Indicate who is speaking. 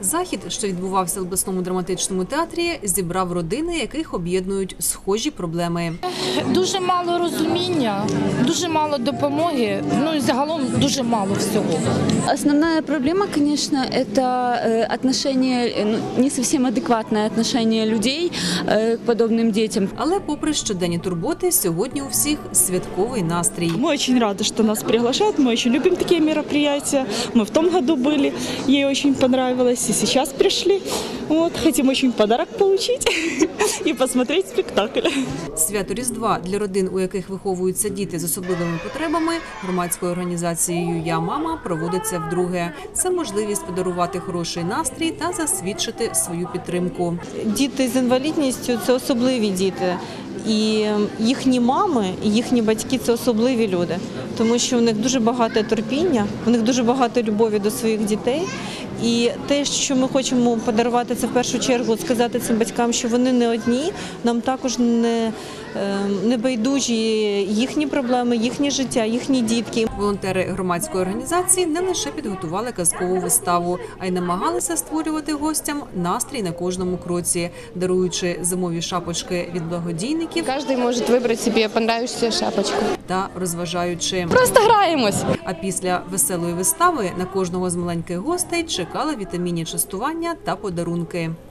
Speaker 1: Захід, що відбувався в обласному драматичному театрі, зібрав родини, яких об'єднують схожі проблеми.
Speaker 2: Дуже мало розуміння, дуже мало допомоги, ну і загалом дуже мало всього.
Speaker 3: Основная проблема, конечно, это отношение, не совсем адекватное отношение людей к подобным детям.
Speaker 1: Але попри щоденні турботи, сьогодні у всіх святковий настрій.
Speaker 4: Мы очень рады, что нас приглашают, мы очень любим такие мероприятия. Мы в том году были, ей очень понравилось, и сейчас пришли. Вот, хотим очень подарок получить и посмотреть спектакль.
Speaker 1: Свято Різдва для родин, у яких виховуються діти з особливими потребами, громадською організацією «Я мама» проводиться вдруге. Це можливість подарувати хороший настрій та засвідчити свою підтримку.
Speaker 5: Діти з інвалідністю – це особливі діти. І їхні мами, і їхні батьки – це особливі люди, тому що в них дуже багато терпіння, в них дуже багато любові до своїх дітей. І те, що ми хочемо подарувати, це в першу чергу сказати цим батькам, що вони не одні, нам також не байдужі їхні проблеми, їхнє життя, їхні дітки.
Speaker 1: Волонтери громадської організації не лише підготували казкову виставу, а й намагалися створювати гостям настрій на кожному кроці, даруючи зимові шапочки від благодійників.
Speaker 6: Каждый может выбрать себе понравившуюся шапочку.
Speaker 1: Та розважаючи.
Speaker 6: Просто граємось.
Speaker 1: А після веселої вистави на кожного з маленьких гостей чекали вітамінні частування та подарунки.